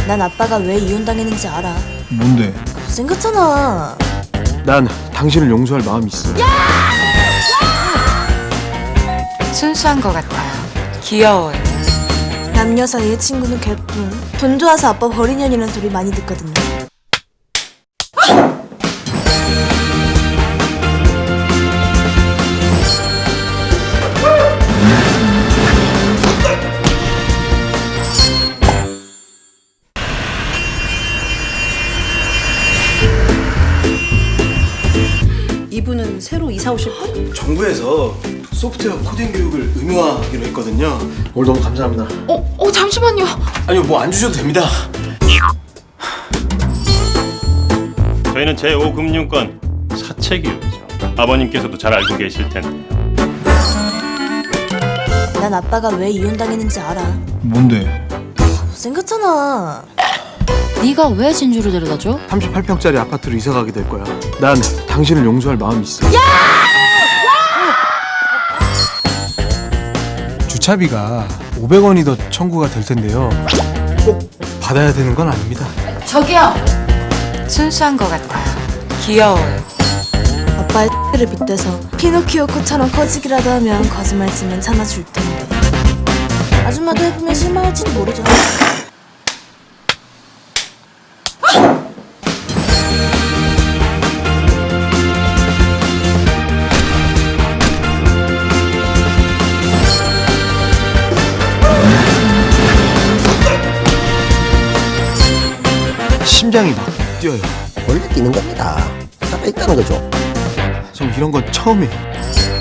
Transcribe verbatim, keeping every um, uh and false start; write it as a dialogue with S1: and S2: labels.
S1: 난 아빠가 왜 이혼당했는지 알아.
S2: 뭔데?
S1: 못생겼잖아.
S2: 난 당신을 용서할 마음이 있어.
S3: 순수한 것 같아요. 귀여워요.
S1: 남녀 사이의 친구는 개뿐. 돈 좋아서 아빠 버린 년이라는 소리 많이 듣거든요.
S4: 이분은 새로 이사 오실 분?
S2: 정부에서 소프트웨어 코딩 교육을 의무화하기로 했거든요. 오늘 너무 감사합니다.
S3: 어, 어 잠시만요.
S2: 아니요, 뭐 안 주셔도 됩니다.
S5: 저희는 제오 금융권 사채기업이죠. 아버님께서도 잘 알고 계실 텐데요.
S1: 난 아빠가 왜 이혼당했는지 알아.
S2: 뭔데?
S1: 못생겼잖아.
S6: 네가 왜 진주를 데려다줘?
S2: 삼십팔 평짜리 아파트로 이사 가게 될 거야. 난 당신을 용서할 마음이 있어. 주차비가 오백 원이 더 청구가 될 텐데요. 꼭 받아야 되는 건 아닙니다.
S6: 저기요.
S3: 순수한 것 같아요. 귀여워요.
S1: 아빠의 를 빗대서 피노키오 코처럼 커지기라도 하면 거짓말치면 참아줄 텐데. 아줌마도 해보면 실망할지도 모르죠.
S2: 심장이 막 뛰어요.
S7: 원래 뛰는 겁니다. 살아 있다는 거죠.
S2: 저 이런 건 처음이에요.